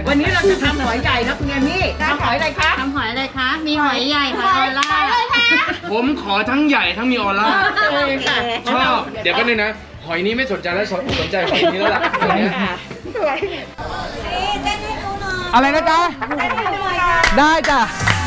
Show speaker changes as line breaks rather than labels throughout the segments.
วันนี้เราจะทำหอยใหญ่นะคุณแอมมี่ทำหอยอะไรคะ
ทำหอยอะไรคะมีหอยใหญ่หอยออร่า
ผมขอทั้งใหญ่ทั้งมีออร่าชอบ เดี๋ยวก็นึงนะหอยนี้ไม่สนใจแล้วสนใจหอยนี้แล้วล่ะ
สวย
อะไรนะจ๊ะได้จ้ะ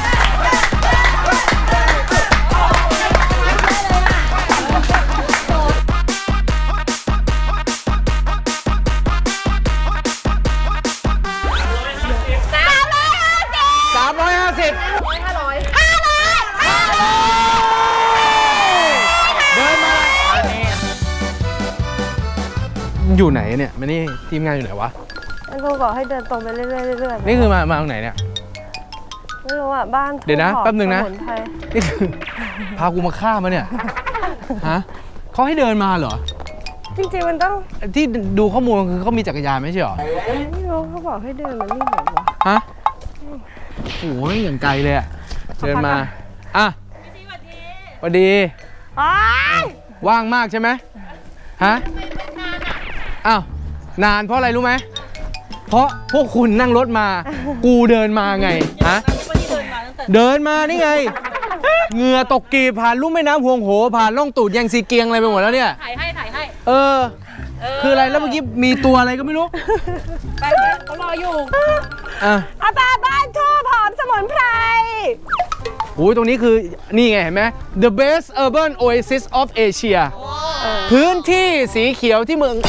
อยู่ไหนเนี่ยมานี่ทีมงานอยู่ไหนวะ
มันครูบอกให้เดินตรงไปเรื่อยๆเรื่อยๆ
นี่คือมาตรงไหนเนี่ย
ไม่รู้อ่ะบ้าน
เดี๋ยวนะแป๊บนึงนะนี่คือพากูมาฆ่ามาเนี่ยฮะเขาให้เดินมาเหรอ
จริงๆมันต้อง
ที่ดูข้อมูลคือเขามีจักรยานไม่ใช่เหรอ
ไม่รู้เขาบอกให้เดินมานี่เหรอวะ
ฮะโอ้ยอย่างไกลเลยอะเดินมาอ่ะสวัสดีว่างมากใช่ไหมฮะอ้าวนานเพราะอะไรรู้ไหมเพราะพวกคุณนั่งรถมากูเดินมาไงฮะเดินมานี่ไงเหงื่อตกกีบผ่านลุ่มแม่น้ำห่วงโหผ่านล่องตูดยังซีเกียงอะไรไปหมดแล้วเนี่ย
ถ่ายให้
คืออะไรแล้วเมื่อกี้มีตัวอะไรก็ไม่รู้
ไปเขารออยู่
อาปาบ้านทั่วผอมสมุนไพร
โอ้ยตรงนี้คือนี่ไงเห็นไหม The best urban oasis of Asia พื้นที่สีเขียวที่เมือง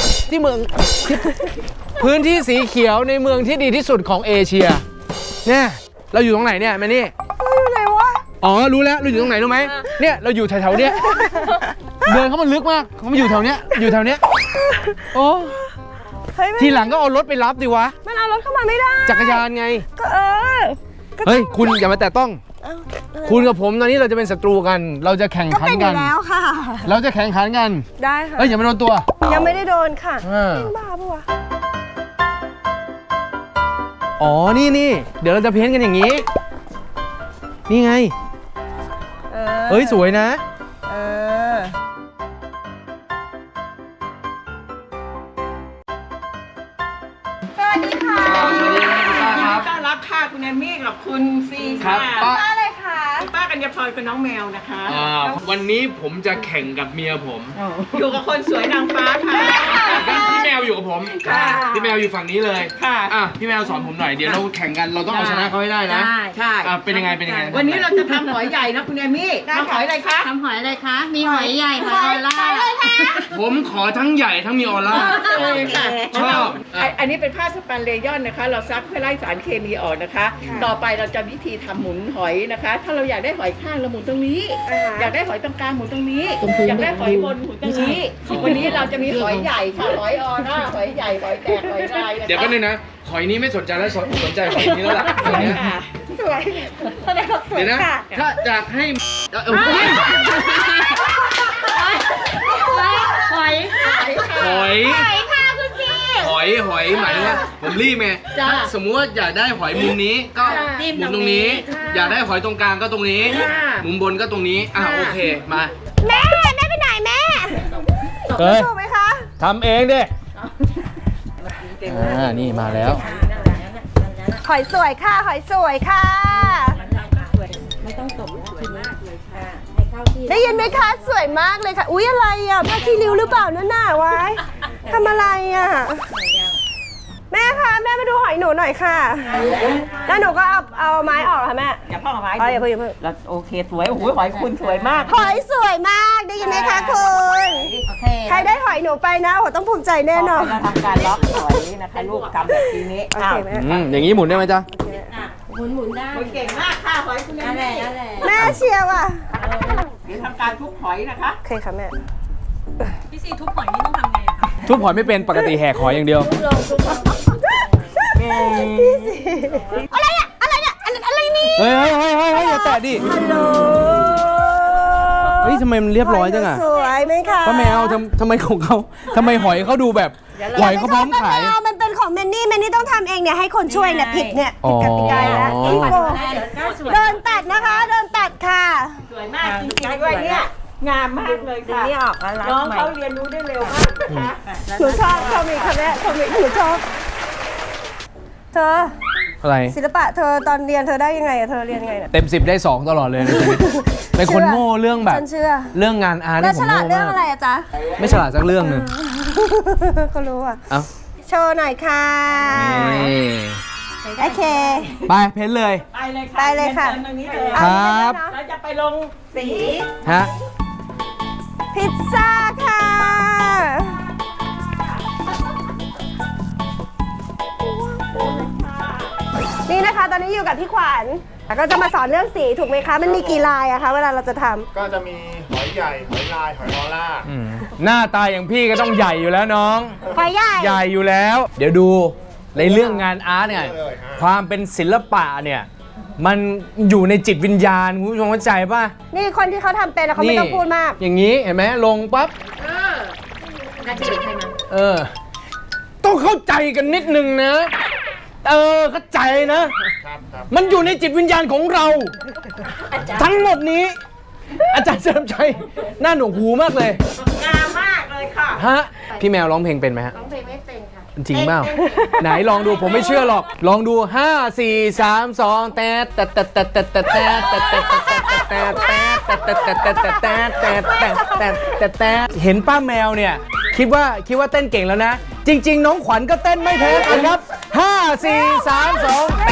พื้นที่สีเขียวในเมืองที่ดีที่สุดของเอเชียเนี่ยเราอยู่ตรงไหนเนี่ยแม่นี่
เราอยู่ไหนวะ
อ๋อรู้แล้วเราอยู่ตรงไหนรู้ไหมเนี่ยเราอยู่แถวๆเนี้ยเดินเข้ามาลึกมากเขามาอยู่แถวเนี้ยโอ้ทีหลังก็เอารถไปรับดิวะ
มันเอารถเข้ามาไม่ได้
จักรยานไง
ก็
เฮ้ยคุณอย่ามาแตะต้องคุณกับผมตอนนี้เราจะเป็นศัตรูกันเราจะแข่งขันกัน
แล้วค่ะ
เราจะแข่งขันกัน
ได้ค่ะ
อย่ามาโดนตัว
ยังไม่ได้โดนค่ะบ้าปะวะ
อ๋อนี่เดี๋ยวเราจะเพ้นท์กันอย่างนี้นี่ไงเฮ้ยสวยนะ
สวัสดีค่ะ
สวัสดีครับ
ต้อนรับค่ะคุณแอมมี่กับคุณซีค่ะ
ป้าอะไรคะ
ป้ากัญญาพรกับน้องแมวนะคะ
วันนี้ผมจะแข่งกับเมียผม
อยู่กับคนสวยนางฟ้าค่ะ
พี่แมวอยู่กับผมพี่แมวอยู่ฝั่งนี้เลย
ค่ะ
พี่แมวสอนผมหน่อยเดี๋ยวเราแข่งกันเราต้องเอาชนะเขาให้ได้นะ
ใช่
เป็นยังไง
วันนี้เราจะทำหอยใหญ่นะคุณแอมมี่ทำหอยอะไรคะ
ทำหอยอะไรคะมีหอยใหญ่หอยออร่า
ผมขอทั้งใหญ่ทั้งมีออร่าชอบ
อันนี้เป็นผ้าสปันเลยอนนะคะเราซักเพื่อไล่สารเคมีออกนะคะต่อไปเราจะวิธีทำหมุนหอยนะคะถ้าเราอยากได้หอยข้างเราหมุนตรงนี้อยากได้หอยตรงกลางหมุนตรงนี้อยากได้หอยบนหมุนตรงนี้วันนี้เราจะมีหอยใหญ่ค่ะหอยออร่าหอยใหญ่หอยแตกหอยลาย
เดี๋ยวก็นึงนะหอยนี้ไม่สนใจแล้วสนใจหอยนี้แล้วล่ะ
สวย
เดี๋ยวนะถ้าอยากให้
หอยค่ะคุณจี
หอยหมายถึงว่าผมรีบไงสมมุติว่าอยากได้หอยมุมนี้ก็หมุนตรงนี้อยากได้หอยตรงกลางก็ตรงนี้มุมบนก็ตรงนี้โอเคมา
แม่ไปไหนแม่ถูกไหมคะ
ทำเองดินี่มาแล้ว
หอยสวยค่ะหอยสวยค่ะ
ไม่ต้องตบสวยมากเลยค่ะ
ได้ยินไหมคะสวยมากเลยค่ะอุ๊ยอะไรอ่ะผ้าขี้ริ้วหรือเปล่านั่นน่ะไว้ทำอะไรอ่ะแม่คะแม่มาดูหอยหนูหน่อยค่ะแล้วหนูก็เอาไม้ออกค่ะแม่
อย่าเพิ่งเอาไม้
อย่าเพิ่ง
เราโอเคสวยโอ้โหหอยคุณสวยมาก
หอยสวยมากได้ยินไหมคะคุณใครได้หอยหนูไปนะโอ้ต้องภูมิใจแน่นอน
เราทำการล็อกหอยนะคะลูกทำแบบนี้
อย่างนี้หมุนได้ไหมจ๊ะ
หมุนได้
เก่งมากค่ะหอยคุณ
แม่เชียร์ว่ะ
นี่ทำการทุบหอยนะคะ
โอเคค่ะแม่
พี่ซีทุบหอยนี่ต้องทำไงอะคะ
ทุบหอยไม่เป็นปกติแหกหอยอย่างเดียว
อะไรเนี่ยอะไรนี่
เฮ้ยอย่าแตะดิ
ฮัลโหล
เฮ้ยทำไมมันเรียบร้อยจังอะ
สวยไหมคะ
ป้าแมวทำไมของเขาทำไมหอยเขาดูแบบหอยเขาพร้อมขาย
มันเป็นของแมนนี่ต้องทำเองเนี่ยให้คนช่วยเนี่ยผิดเนี่ยผิดกติกาแล้วเดินตัดนะคะเดินตัดค่ะ
สวยมากจริงๆด้วยเนี่ยงามมากเลยค่ะน้องเขาเรียนรู้ได้เร็วมากนะคะ
หนูชอบเขามีค่ะแม่เขามีหนูชอบเธอ
อะไร
ศิลปะเธอตอนเรียนเธอได้ยังไงอะเธอเรียนยังไงเนี่ย
เต็ม 10ได้2ตลอดเลยในชีวิตเป็นคนโง่เรื่องแบบ
ฉันเชื่อ
เรื่องงานอาร์ต
แล้ว
นี่ผ
ฉ
ม
ลาด
โง่
เรื่อง
มา
อะไร
ก
อะจ๊ะ
ไม่ฉลาดสักเรื่องหนึ่ง
ก็รู้อะ
เอ้า
โชว์หน่อยค่ะ
นี่
โอเค
ไปเพ้นเลย
ไปเลยค่ะ
ไปเลยค่ะ
ตรงนี้เลย
ครับ
เราจะไปลงสี
ฮะ
พิซซ่าค่ะ นี่นะคะ ตอนนี้อยู่กับพี่ขวัญแล้วก็จะมาสอนเรื่องสีถูกไหมคะ มันมีกี่ลายอะคะเวลาเราจะทำ
ก็จะมีหอยใหญ่ หอยลาย หอยลอล่า
หน้าตาอย่างพี่ก็ต้องใหญ่อยู่แล้วน้อง
หอยใหญ่
ใหญ่อยู่แล้ว เดี๋ยวดูในเรื่องงานอาร์ตเนี่ย
เลยฮะ
ความเป็นศิลปะเนี่ย มันอยู่ในจิตวิญญาณคุณผู้ชมเข้าใจป่ะ
นี่คนที่เขาทำเป็นแล้วเขาไม่ต้องพูดมาก
อย่างนี้เห็นไหมลงปั๊บต้องเข้าใจกันนิดนึงนะ เข้าใจนะ
ครับครับ
มันอยู่ในจิตวิญญาณของเรา ทั้งหมดนี้ อาจารย์เฉลิมชัยหน้าหนวกหูมากเลย
งามมากเลยค่ะ
ฮะพี่แมวร้องเพลงเป็นไหมฮะ
ร้องเพลงไม่เป็นค่ะ
จริงเปล่าไหนลองดูผมไม่เชื่อหรอก ลองดู 5 4 3 2แต่เห็นป้าแมวเนี่ยคิดว่าเต้นเก่งแล้วนะ จริง ๆ น้องขวัญก็เต้นไม่แพ้กันครับ 5 4 3 2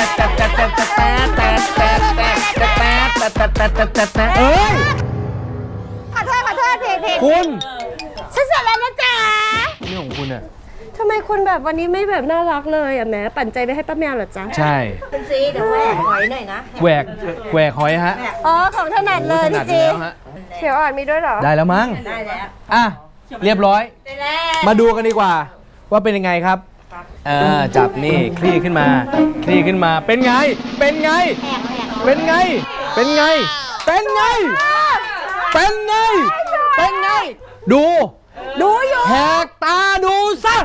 เอ้ย
ขอโทษเพลง
คุณ
ฉันเสร็จแล้วนะจ๊ะ
นี่ของคุณอะ
ทำไมคุณแบบวันนี้ไม่แบบน่ารักเลยอะแหมปั่นใจไปให้ป้าแมวเหรอจ๊ะ
ใช่
คุณซีเดี๋ยวแหวกหอยหน่อยนะ
แหวกหอยฮะ
อ๋อของถนัดเลย
ถนั
พี่
ด
จี
แล้วฮะ
เขียวอ่อนมีด้วยเหรอ
ได้แล้วมั้ง
ได้แล้ว
อ่ะ เรียบร้อย
ได้แล้ว
มาดูกันดีกว่า ว่าเป็นยังไงครับจับนี่คลี่ขึ้นมา คลี่ขึ้นมา เป็นไง เป็นไง เป็นไง เป็นไง เป็นไง เป็นไง เป็นไง ดู
ดูอยู่
แหกตาดูซะ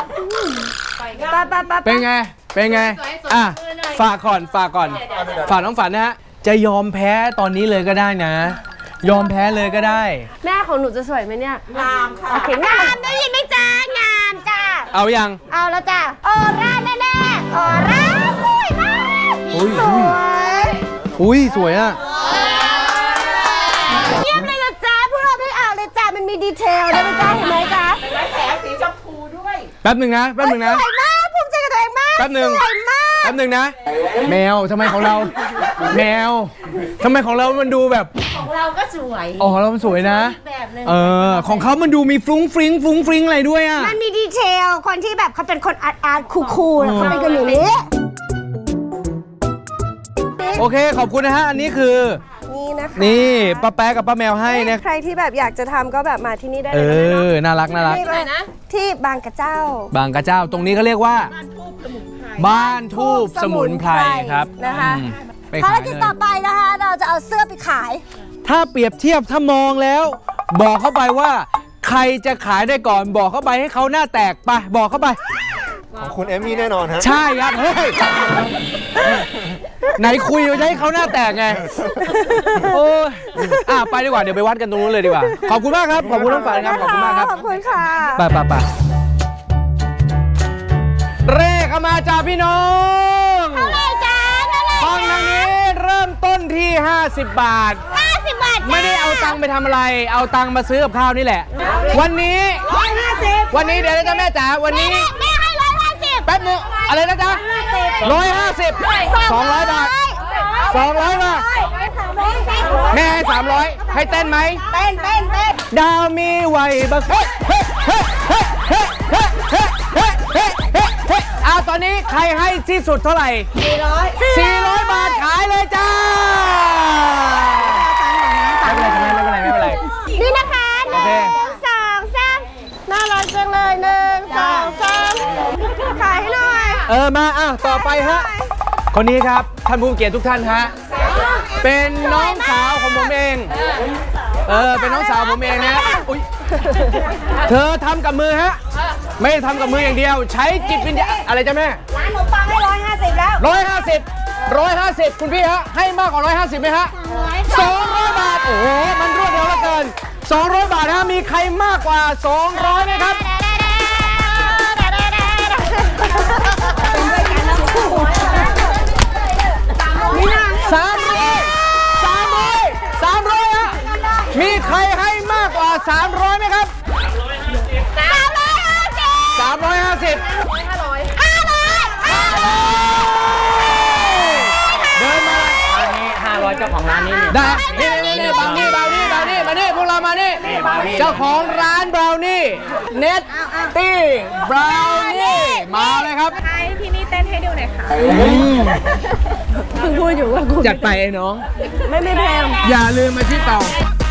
ไป
เป็นไง เป็นไง อ่ะ ฝากก่อน ฝากก่อน ฝากน้องฝันนะฮะ จะยอมแพ้ตอนนี้เลยก็ได้นะ ยอมแพ้เลยก็ได้
แม่ของหนูจะสวยไหมเนี่ย
งามค่ะ
โอเคงามได้ยินไหมจ๊ะงามจ้ะ
เอายัง
เอาแล้วจ้ะออร่าแน่ๆออร่าสวยมาก
อุ้ย
สวย
อุ้ยสวยอ่ะ
เยี่ยมเลยละจ้ะพวกเราไม่เอาเลยจ้ะมันมีดีเทลด้วยนะจ๊ะเห็นไหมจ๊ะ
และแถมสีชมพูด้วย
แป๊บหนึ่งนะ แป๊บหนึ่งนะ
สวยมากภูมิใจกับตัวเองมาก
แป๊บหนึ่ง
สวยมาก
แป๊บหนึ่งนะ แมวทำไมของเรา แมวทำไมของเรามันดูแบบ
ของเราก็สวย
อ๋อของเรามันสวยนะ
แบบหนึง
ของเขามันดูมีฟรุ้งฟริ้งฟรุ้งฟริ้งอะไรด้วยอ่ะ
มันมีดีเทลคนที่แบบเขาเป็นคนอาร์ตคูลๆเขาเป็นกันอย่างนี้
โอเค ขอบคุณนะฮะ อันนี้คือ
นี่นะคะ
นี่ป้าแป๊ะกับป้าแมวให้นะ
ใครที่แบบอยากจะทำก็แบบมาที่นี่ได้
เอ
เลยนะ
อ น่ารักน่ารัก
ที่นะที่บางกระเจ้า
บางกระเจ้าตรงนี้เขาเรียกว่า บ้านทูบสมุนไพรครับ
นะคะ
อืมไป
ภาร
ขาย
กิจ
เล
ต่อย ไปนะคะ เราจะเอาเสื้อไปขาย
ถ้าเปรียบเทียบถ้ามองแล้ว บอกเข้าไปว่า ใครจะขายได้ก่อนบอกเข้าไปให้เขาหน้าแตกไปบอกเข้าไป
ของคุณเอมมี่แน่นอนฮะ
ใช่ครับเฮ้ยไหนคุยว่าจะให้เขาหน้าแตกไงโอ้ยไปดีกว่าเดี๋ยวไปวัดกันตรงนู้นเลยดีกว่าขอบคุณมากครับขอบคุณน้องฝันครับขอบคุณมากครับ
ขอบคุณค่ะ
ไปเลขเข้ามาจ้าพี่น้อง
เท่าไหร่จ้าเท่าไหร่
ห้องทางนี้เริ่มต้นที่ 50 บาท
50 บาท
ไม่ได้เอาตังค์ไปทำอะไร เอาตังค์มาซื้อกับข้าวนี่แหละ วันนี้วันนี้เดี๋ยวนะจ๊ะแม่จ๋าวันนี้
แม่ให้150
แป๊บนึงอะไรนะจ๊ะ150 200 บาท 200 บาท แม่ให้ 300 ให้เต้นไหม
เต้น
ดาวมีไหวบักเฮ้ตอนนี้ใครให้ที่สุดเท่าไหร่400 บาทขายเลยจ้าไม่เป็นไร
นี่นะคะ
โอเค
1 2 3น่ารักจังเลย1 2 3ขายให้หน่อย
มาต่อไปฮะ คนนี้ครับ ท่านผู้เกียรติทุกท่านฮะ เป็นน้องสาวของผมเอง เป็นน้องสาวผมเองนะอุ๊ยเธอทำกับมือฮะ ไม่ได้ทำกับมืออย่างเดียว ใช้จิตวิญญาณอะไรจ้ะแม่
ร้านขนมปังให้150แล้ว
150 คุณพี่ฮะ ให้มากกว่า150ไหมฮะ200 บาท โอ้โห มันรวดเร็วเหลือเกิน 200 บาทฮะ มีใครมากกว่า 200ไหมครับ
เป็นด้วยกันเล
300ฮะมีใครให้มากกว่า300ไหมครับ350เดินมาอันนี้500เจ้าของร้านนี้ได้นี่บราวนี่มานี่พวกเรามานี่เจ้าของร้านบราวนี่เน็ตตี้บราวนี่มาเลยครับ
ให้พี่นี่เต้นให้ดูหน่อยค่ะ
เพิ่งพูดอยู่ว่ากู
จัดไปไอ้น้อง
ไม่แพง
อย่าลืมมาที่เตา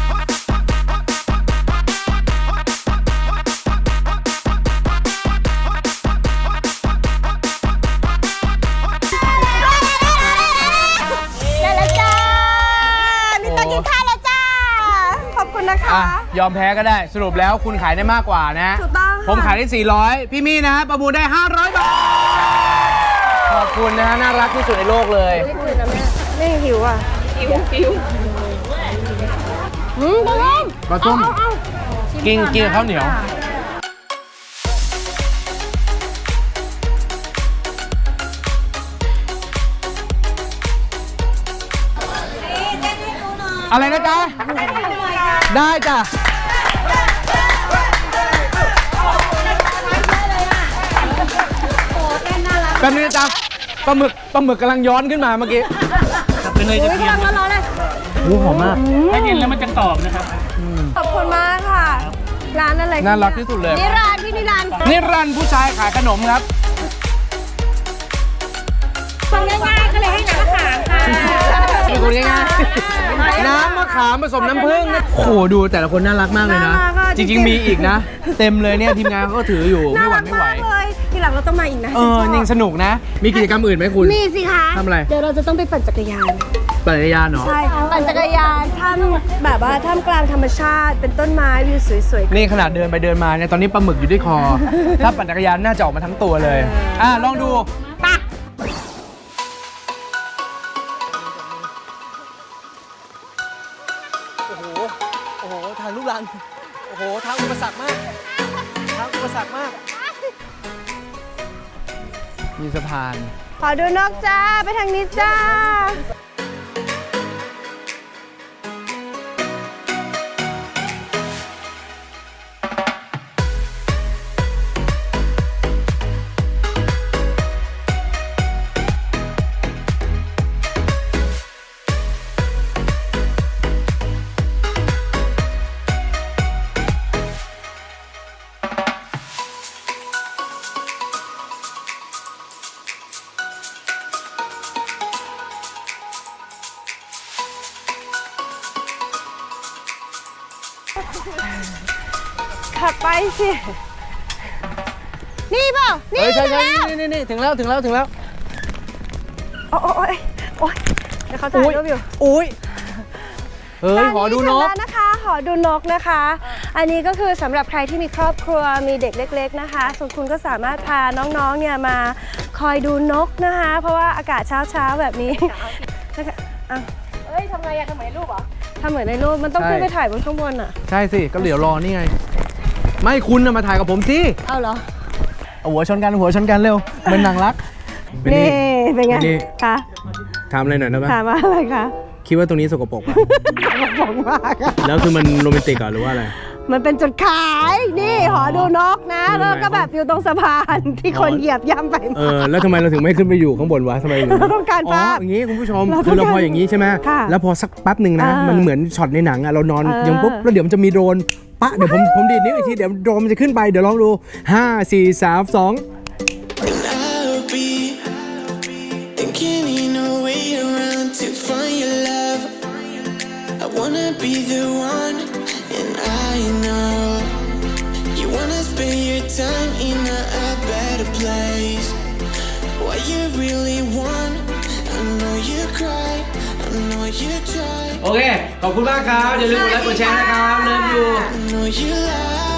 ได้แล้วจ้ามีโต๊ะกินข้าวแล้วจ้า ขอบคุณนะคะ
อ่ะยอมแพ้ก็ได้สรุปแล้วคุณขายได้มากกว่านะ
ถูกต้องค่ะ
ผมขายได้ 400 พี่มี่นะฮะประมูลได้ 500 บาท ขอบคุณนะฮะน่ารักที่สุดในโลกเลย
ไม่หิวอ่ะ หิวปลาต้ม
ปลาต้มกินกับข้าวเหนียว อะไรนะจ๊ะ ได้จ้ะ แป๊บนึงนะจ๊ะปลาหมึกกำลังย้อนขึ้นมาเมื่อกี้เป็นเลยจะกิน
กำลังร้อนๆเลย
หอมมาก
ถ้ากินแล้วมันจะกรอบนะครับ
ขอบคุณมากค่ะ ร้านอะไร
น่ารักที่สุดเลย
นิรันดร์พี่นิรันดร์
นี่รันผู้ชายขายขนมครับ
ฟังง่ายๆก็เลยให้น้ำมะขามค่ะ
เป็นคนง่ายๆน้ำมะขามผสมน้ำผึ้งนะโอ้โหดูแต่ละคนน่ารักมากเลยนะ จริงๆมีอีกนะ เต็มเลยเนี่ยทีมงานเขาก็ถืออยู่ไม่หวั่นไม่ไหว
น่ารักมากเลยทีหลังเราต้องมาอีกนะ
ยังสนุกนะ มีกิจกรรมอื่นไหมคุณ
มีสิคะ
ทำอะไร
เดี๋ยวเราจะต้องไปปั่นจักรยาน
ปั่นจักรยานเหรอ
ใช่ ปั่นจักรยานแบบว่าท่ามกลางธรรมชาติ เป็นต้นไม้วิวสวย
นี่ขนาดเดินไปเดินมาเนี่ยตอนนี้ปลาหมึกอยู่ที่คอ ถ้าปั่นจักรยานน่าจะออกมาทั้งตัวเลยลองดูปะโอ้โหทางลูกรังโอ้โหทางอุปสรรคมากทางอุปสรรคมากมีสะพาน
ๆ ขอดูนกจ้า ไปทางนี้จ้า ขับไปสิ นี่เปล่า นี่
ใช่
แล้ว
นี่ถึงแล้ว
โอ้ยเดี๋ยวเขาถ่ายรูปอยู่
อุ้ยเฮ้ยหอดูนก
ร้านนะคะ หอดูนกนะคะ อันนี้ก็คือสำหรับใครที่มีครอบครัว มีเด็กเล็กๆนะคะ ส่วนคุณก็สามารถพาน้องๆ เนี่ยมาคอยดูนกนะคะ เพราะว่าอากาศเช้าๆแบบนี้เอ้ยทำไงอะทำเหมือนในรูปเหรอทำเหมือนในรูป มันต้องขึ้นไปถ่ายบนข้างบนอะ
ใช่สิ ก็เดี๋ยวรอนี่ไง ไม่คุณนะมาถ่ายกับผมสิ
เอาเหรอ
เอาหัวชนกันเร็วเหมือนหนังรัก
นี่เป็นไง
นี่
คะ
ถามอะไรหน่อยได้ไหม
ถามว่าอะไรคะ
คิดว่าตรงนี้สกปรกป่ะ
บอกมากอะ
แล้วคือมันโรแมนติกเหรอหรือว่าอะไร
มันเป็นจุดขาย นี่หอดูนกนะ แล้วก็แบบอยู่ตรงสะพานที่คนเหยียบย่ำไปมา
แล้วทำไมเราถึงไม่ขึ้นไปอยู่ข้างบนวะทำไม
เราต้องการภาพ
อย่างนี้คุณผู้ชม
เราต้องการ
คือเราพออย่างนี้ใช่ไหม
ค่ะ
แล้วพอสักแป๊บหนึ่งนะ มันเหมือนช็อตในหนังอะเรานอน
เออ
ยังปุ๊บแล้วเดี๋ยวมันจะมีโดรนปะเดี๋ยวผมดีดนิ้วอีกทีเดี๋ยวโดรนมันจะขึ้นไปเดี๋ยวลองดู 5 4 3 2
I'll be thinking in a way around to find your love. I wanna be the one, and I know you wanna spend your time in a better place. What you really want, I know you cry, I know you try.
โอเค ขอบคุณมากครับ อย่าลืมกดไลค์กดแชร์นะครับ เริ่มอยู่
I know you lie.